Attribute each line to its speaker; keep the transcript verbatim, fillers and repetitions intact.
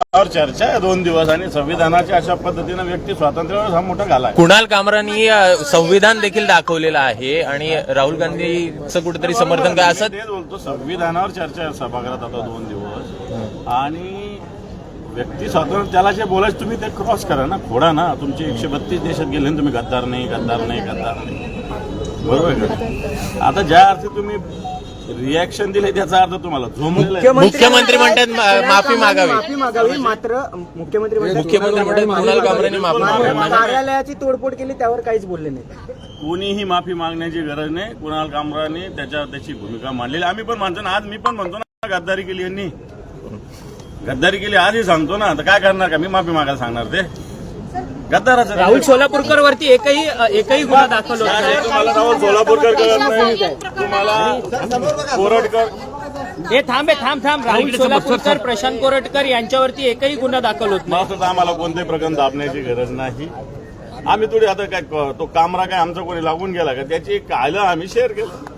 Speaker 1: चर्चा आहे दोन दिवस आणि संविधानाच्या अशा पद्धतीनं व्यक्ती स्वातंत्र्यावर हा मोठा घाला.
Speaker 2: कुणाल कामरांनी संविधान देखील दाखवलेलं आहे आणि राहुल गांधीचं कुठेतरी समर्थन काय असं
Speaker 1: तेच बोलतो. संविधानावर चर्चा आहे सभागृहात आता दोन दिवस आणि व्यक्ती स्वातंत्र्य त्याला जे बोलायचं तुम्ही ते क्रॉस करा ना, खोडा ना. तुमचे एकशे बत्तीस देशात गेले तुम्ही गद्दार नाही गद्दार नाही गद्दार नाही, बरोबर आहे का? आता ज्या अर्थी तुम्ही रिॲक्शन दिले त्याचा अर्थ तुम्हाला झोमलेला.
Speaker 2: मुख्यमंत्री म्हणतात माफी मागावी
Speaker 3: माफी मागावी मात्र मुख्यमंत्री
Speaker 2: मुख्यमंत्री म्हणतात कुणाल कामरांनी माफी मागावी.
Speaker 3: कार्यालयाची तोडफोड केली त्यावर काहीच बोलले नाही.
Speaker 1: कोणीही माफी मागण्याची गरज नाही. कुणाल कामराने त्याच्या त्याची भूमिका मांडलेली. आम्ही पण म्हणतो ना, आज मी पण म्हणतो ना गद्दारी केली यांनी, गद्दारी केली आजही सांगतो ना. तर काय करणार का मी माफी मागायला सांगणार ते गद्दाराचं.
Speaker 3: राहुल सोलापूरकर वरती एकही एकही गुन्हा दाखल होत नाही.
Speaker 1: तुम्हाला राहुल सोलापूरकर कळत नाही, तुम्हाला कोरटकर
Speaker 3: हे थांबे थांब थांब राहुल सोलापूरकर प्रशांत कोरटकर यांच्यावरती एकही गुन्हा दाखल होत नाही.
Speaker 1: असं आम्हाला कोणतेही प्रकरण दाबण्याची गरज नाही. आम्ही थोडी आता काय तो कामरा काय आमचा कोणी लागून गेला का त्याची एक आलं आम्ही शेअर केलं.